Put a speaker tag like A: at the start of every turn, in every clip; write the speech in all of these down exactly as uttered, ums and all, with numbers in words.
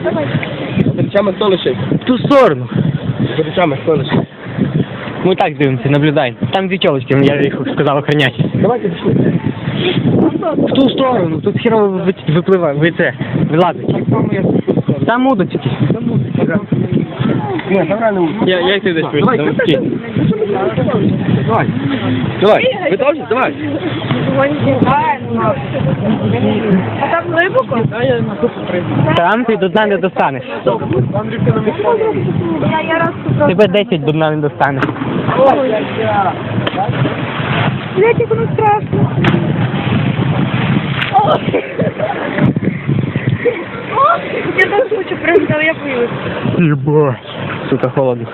A: За речами хто лишив?
B: В ту сторону.
A: За речами хто лишив?
B: Ми так дивимося, наблюдаємо. Там дві тілочки, я їх сказав охороняти.
A: Давайте пішли.
B: В ту сторону, тут хірово ви- випливає, ви це, вилазить. Там удочки.
A: Ні, там реально.
B: Я, як ти десь
A: Давай, давай. Давай. Ви теж? Давай.
C: А там глибоко?
B: Там ти до дна не достанеш.
C: Я, я раз купила.
B: Тебе десять до дна не достанеш.
C: Блять, як воно страшно. О! О! Я теж хочу прыгнути, але я боюсь.
B: Єба. Сука, холодно.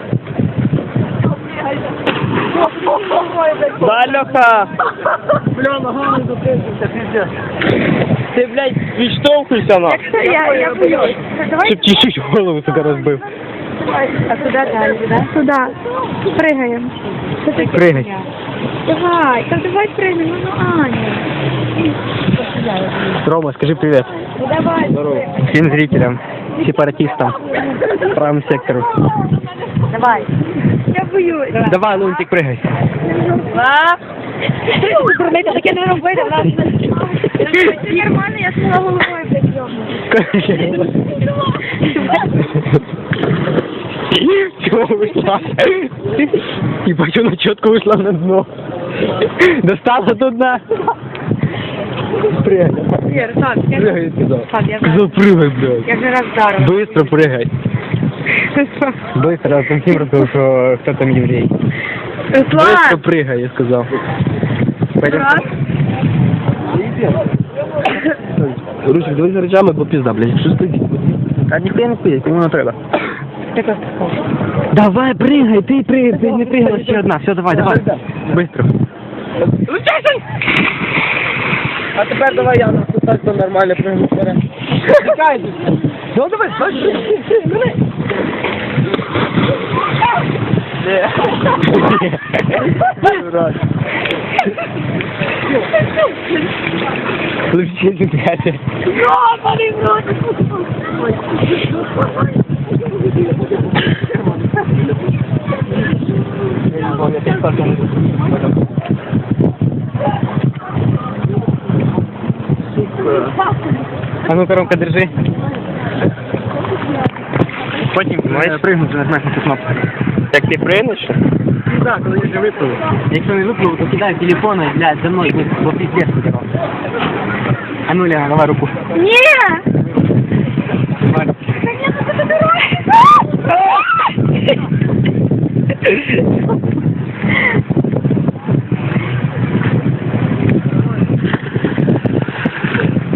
B: Да, Леха!
A: Бля, ногами затиснувся, пиздец.
B: Ти, блядь, відштовхуйся на.
C: Я, я боюсь. Давай.
B: Щоб чуть-чуть голову себе розбив.
C: А куди далі, да? Туди. Пригаємо.
B: Пригай.
C: Давай, так давай пригнемо, ну Аня.
B: Рома, скажи привет.
C: Ну давай.
A: Здорово.
B: Всем зрителям, сепаратистам, правому сектору.
C: Давай. Я боюсь.
B: Давай, Лунтик, прыгай.
C: А? Дурниця, таке не робити, в нас. Це нормально, я сміла головою прийому.
B: Чего вышла? Ебать, она четко вышла на дно. Достала до дна. Прыгай.
C: Вір, так, я
B: Прыгай сюда.
C: так, я
B: Сказал, прыгай, блядь.
C: Я вже раз вдарила.
B: Быстро прыгай. Быстро, а там всем рассказал, что кто там еврей. Быстро
C: Руслан!
B: прыгай, я сказал. Пойдем.
C: Раз.
A: Русик, давай за речами, бо пізда, блядь. Що стоїть?
B: А ніхто не стоїть, кому не треба.
C: Ти просто
B: Давай, прыгай, ты прыгай, ты не прыгала еще одна. Все, давай, давай. Быстро.
A: А тепер давай я на так то нормально пригну вперед. Чекай. Ну давай, давай. Мене. Дурак.
B: Включи пятый.
C: Йобаний в рот!
B: А ну, коромка, держи. Потім маєш пригнути, нажмеш на цю кнопку. Як ти пригнеш?
A: Ну так, коли я вже випливу.
B: Якщо не випливу, то кидай телефон і, блядь, за мною, бо пиздец буде. А ну, Лена, давай руку.
C: Ні!
B: Давай.
C: Та ні, ну це дорога!